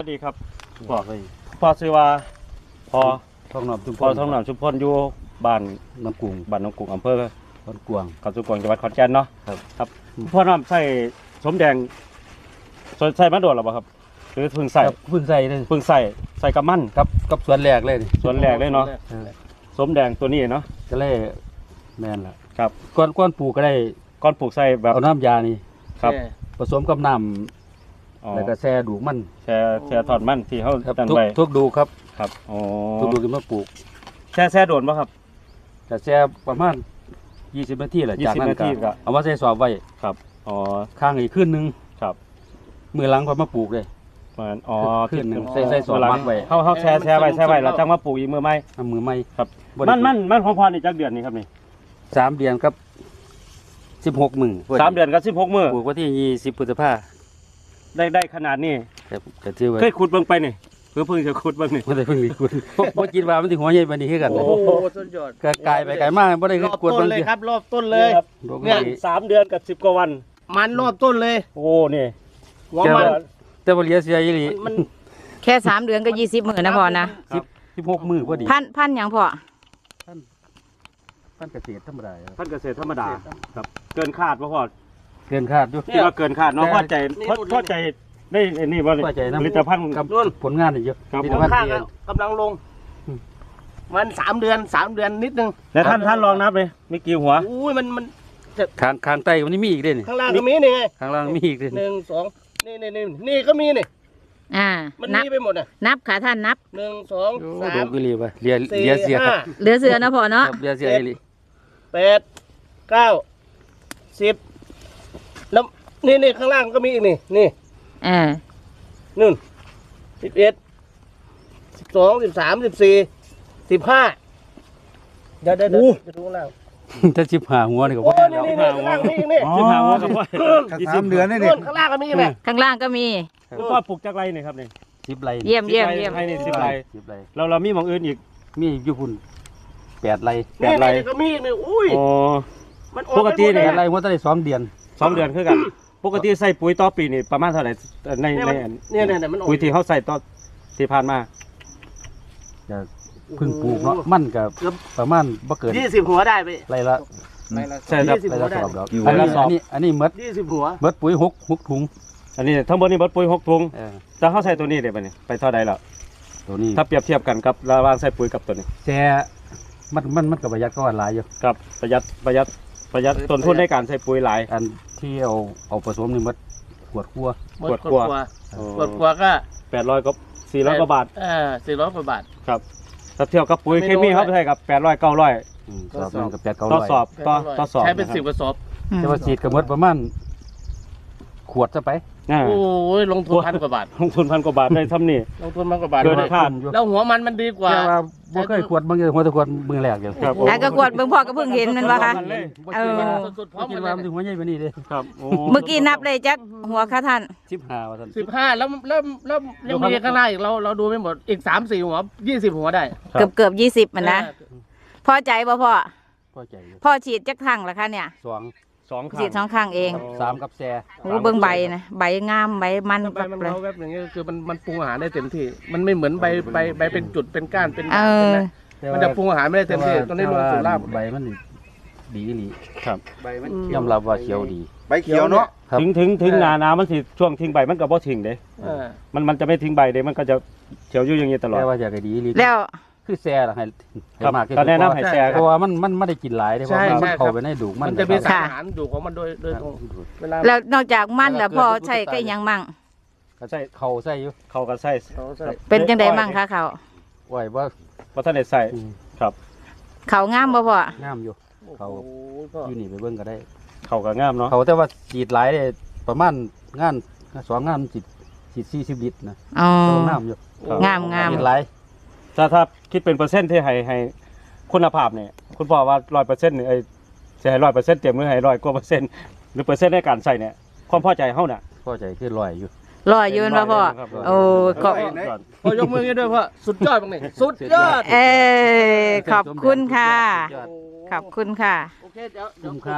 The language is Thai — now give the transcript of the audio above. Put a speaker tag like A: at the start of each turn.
A: สวัสดีครับพ่อชื่อว่าพ่อ
B: ท้องหนอมชุมพ
A: พ่อ
B: ร
A: ท้องหนองชุมพรอยู่บ้าน
B: น้ำกุ้ง
A: บ้านหนองกุ้งอำเภอ
B: บ้านกวาง
A: เขาสุกวางจังหวัดขอนแก่นเนาะ
B: ครับ
A: พ่อน้ำใส่สมแดงใส่มาโดดหรือเปล่าครับหรือเพิ่งใส่
B: ครับเพิ่งใส่เลย
A: เพิ่งใส่กับมัน
B: กับสวนแรกเลยนี่
A: ส่วนแรกเลยเนาะสมแดงตัวนี้เนาะ
B: ก็เลยแม่นละ
A: ครับ
B: ก้อนปลูกก็ได้
A: ก้อนปลูกใส่แบบ
B: เอาน้ำยานี่
A: ครับ
B: ผสมกับน้
A: อ๋อ
B: ำแล้วก็แช่ดูกมัน
A: แช่ทอดมันที่เขา
B: ครับ
A: ดัน
B: ทุก
A: ไว้
B: ทุกดูครับ
A: ครับอ๋อ
B: ทุกดูกินมาปลูก
A: แช่โดนป่ะครับ
B: แต่แช่ประมาณ20 นาทีแหละจากนั้น
A: 20 นาทีก็
B: ก็เอามาใส่สอบไว้
A: ครับอ๋อ
B: ข้างอีกขึ้นนึง
A: ครับ
B: มือหลังก็มาปลูกเลย
A: ประมาณอ๋อ
B: ขึ้นหนึ่ง
A: ที่
B: ใส่สอง
A: เวลา
B: มัดไว้
A: เขาแช่ไว้แล้วจังมาปลูกอีกมือไหม
B: เอามือไม้
A: ครับ
B: บ่ได้
A: มันของพ่อนี่จักเดือนนี่ครับนี่
B: 3 เดือนกับ16 มื้อ
A: 3 เดือนกับ16 มื้อ
B: ปลูกวันที่20 พฤษภาคม
A: ได้ขนาดนี้
B: ครับก็ถือว่า
A: เคยขุดเบิ่งไปนี่เพิ่งจะขุดเบิ่งนี่
B: บ่ได้เพิ่งมีคุณบ่คิดว่ามันสิหัวใหญ่ปานนี้คือกัน
C: โอ้
B: นะ
C: โหสุดยอด
B: ก็กลายไปไกลมากบ่ได้
C: ร
B: คือ
C: อบ
B: กวด
C: ต้
B: บาน ง
C: เลย
B: ที
C: ครับรอบต้นเลย
A: ครับ
C: เนี่ย
A: 3 เดือนกับ10 กว่าวัน
C: มันรอบต้นเลย
A: โอ้นี่
C: หัวมัน
B: แต่บ่เหลียเสียอีหลี
C: มัน
D: แค่3 เดือนก็20 มื้อนะพ่อนะ
B: 16 มื้อพอดี
D: พันหยังพ่อ
B: พันเกษตรธรรมดาครับ
A: ท่านเกษตรธรรมดาครับเกินคาดบ่พอ
B: เกินคาดอยู่
A: คิดว่าเกินคาดเนาะพอใจได้นี่บ่
B: พอใจนะ
A: ผลิตภัณฑ์
B: กับผลงานนี่เยอะ
A: ครับ
B: ผลิต
C: หัว
B: ภัณฑ์
C: ข้าง
B: เอง
C: กำลังลง มัน3 เดือนนิดนึง
A: แล้วท่านลองนับเลยมีกี่หัว
C: อุ้ยมัน
B: ข้างใต้มันนี่มีอีกเด้นี่
C: ข้างล่างก็มีนี่ไง
B: ข้างล่างมีอีกเด้
C: หนึ่งสองนี่ก็มีนี่
D: อ่า
C: มัน
D: นับ
C: มีไปหมดอ่ะ
D: นับค่ะท่านนับ
C: 1 2
B: โอ้โห
C: 3
B: อีหลีว่ะเหลีย
C: 4
B: เสีย
C: 5
D: เหลือเสือนะพ่อเนาะ
B: ครับเหลียเสียอีหลี
C: 8 9 10แล้วนี่ข้างล่างก็มีอีกนี่
D: อ่า
C: นู่น11 12 13 14 15เดี๋ยวจะดูข้างล่าง
B: ถ้า15หัวนี่ก็
C: โอ้
B: บ่
C: นี่
B: แล้ว
C: ข้างล่างมีอีกนี่
A: 15หัวครับพ่อ
E: 3 เดือนนี่
C: นู่นข้างล่างก็มีอีกนี่
D: ข้างล่างก็มี
A: พ่อปลูกจักไรนี่ครับนี่
B: 10 ไร่
D: เยี่ยม
A: ให้นี่10 ไร
B: 10 ไร่
A: เรามีหม่องอื่นอีก
B: มีอยู่พุ่น8 ไร่
C: นี่
A: ไร
C: ก็มีอีกนี่อุ้ย
A: อ๋อ
C: มันออก
A: ปกติเนี่ย
B: 8 ไร่หัวตั้งได้2 เดือน
A: 2 เดือนคือกันปกติใส่ปุ๋ยต่อปีนี่ประมาณเท่าไหร่ใน
C: เนี่ยมันออก
A: ปุ๋ยที่เขาใส่ต่อที่ผ่านมา
B: จะเพิ่งปลูกเนาะมันก็ประมาณบ่เกิน
C: 20 หัวได้ไป
B: ไร่ละ
A: ใช่ครับ
C: 20
B: ไร่
C: หัว
B: ละ
C: ได้
B: สอบดอก
A: อยู่
B: อันนี้
A: ไร่ละสอบ
B: อันนี้หมด
C: 20 หัว
B: ปุ๋ย6ถุง
A: อันนี้ทั้งหมดนี่เบิดปุ๋ย6 ถุง
B: เออ
A: แต่เขาใส่ตัวนี้ได้ป่ะนี่ไปเท่าใดแล้ว
B: ตัวนี้
A: ถ้าเปรียบเทียบกันกับระหว่างใส่ปุ๋ยกับตัวนี้
B: แต่มันก็ประหยัดก็ว่าหลายอยู่
A: ครับประหยัดต้นทุนในการใส่ปุ๋ยหลาย
B: อันที่เอาผสมนี่หมดขวดคั่ว
A: ขวดกลัว
C: ขวดกลัวก็
A: 800กับ400กว่าบาท
C: 400 กว่าบาท
A: ครับถ้าเทียบกับปุ๋ย
C: ไม่
A: เค
C: รู้
A: มีเขาใช้กับ800 900
B: สอบนึงกับ8 9
A: ต่อ
B: 0
A: สอบต่อสอบ
C: ใช้เป็น
A: นะครับ
C: 10 กระสอบ
B: แต่ว่าฉีดก็หมดประมาณขวดซะไป
A: อ่า
C: โอ้ยลงทุน1,000 กว่าบาท
A: ลงทุน1,000 กว่าบาทได้ทำนี่
C: ลงทุน1,000 กว่าบาท
A: เกินคาด
C: แล้วหัวมันดีกว่า
B: แต่ว่าบ่เคยขวดบางทีหัวแตะขวดมือแรกอยู่
A: ครับ
D: แล้วก็กวดเบิ่งพ่อก็เพิ่งเห็นมันว่าคะ
B: บ่
D: เอ
B: คิด
D: อ
B: ว่า
C: สุดๆพร้
B: บ่
C: อม
B: คิด
C: กัน
B: ว่ามันสิหัวใหญ่กว่านี้เด้
A: ครับโอ้
D: เมื่อกี้นับเลยจักหัวค่ะท่าน
B: 15ว่าซั่น
C: 15แล้วยังมีข้างหน้าอีกเราดูไม่หมดอีก 3-4 หัว 20 หัวได้
D: เกือบ20มันนะพอใจบ่พ่อ
B: พอใจอยู่
D: พ่อฉีดจักครั้งละคะเนี่ย
B: 2
A: 2
D: ฉีด2 ครั้งเอง
B: 3กับแซ่
D: โอ้เบิ่งใบนะใบงามใบมัน
C: ใบ
D: ปัก
C: มัน
D: เลย
C: เราแวบอย่างเงี้ยคือมันปรุงอาหารได้เต็มที่ มันไม่เหมือนใบเป็นจุดเป็นก้านเป็น
D: เออ
C: มันจะปรุงอาหารไม่ได้เต็มที่ตอนนี้ลงสู่ราก
B: ใบมันนี่ดีอีหลี
A: ครับ
E: ใบมัน
B: ยอมรับว่าเขียวดี
E: ใบเขียวเนาะ
B: ครับ
A: ถึงนามันสิช่วงทิ้งใบมันก็บ่ทิ้งเด้
C: เออ
A: มันจะไม่ทิ้งใบเด้มันก็จะเขียวอยู่อย่างนี้ตลอด
B: แต่ว่าอยากให้ดีอีหลี
D: แล้ว
B: คือแซ่ล่ะให้
A: ครับ
B: มากที่สุด
A: ก็แนะนำให้แซ่
B: เพราะว่ามันไม่ได้กินหลายเด้เพราะว่ามันเข้าไปในดูกมัน
C: มันจะมี
B: ค
C: สา
B: รับ
C: รอาหารอยู่ของมันโดยตรงเวลา
D: แล้วนอกจากมันแล้วพ่อใช้ก็อีกหยังมั่ง
A: ก็ใส่
B: เข้าใส่อยู่
A: เขาก็ใส่
C: เขาใส่
D: เป็นจังไดมั่งคะเขา
B: ไว้ว่า
A: บ่ทันได้ใส่ครับ
D: เขางามบ่พ่อง
B: ามอยู่ เขา
C: โอ้โหก็
B: อยู่นี่ไปเบิ่งก็ได้
A: เขาก็งามเนาะ
B: เขาแต่ว่าฉีดหลายเลยประมาณงาน2 งานฉีด40 ลิตรนะ
D: อ๋อ
B: ตัวงามอยู่
D: งามงาม
B: ฉีดหลาย
A: ถ้าคิดเป็นเปอร์เซ็นต์ที่ให้คุณภาพเนี่ยคุณพ่อว่า100%นี่จะให้100%เต็มหรือให้100กว่าเปอร์เซ็นต์หรือเปอร์เซ็นต์ในการใส่เนี่ยความพอใจเฮาน่ะ
B: พอใจคือลอยอยู่
D: รอยืนบ่พ่อโอ้ขอบ
C: พอยกมือให้ด้วยพ่อสุดยอดบ้างนี่สุดยอด
D: ขอบคุณค่ะ ขอบคุณค่ะ
C: โอเคเดี๋ยว
B: คุ้มค่า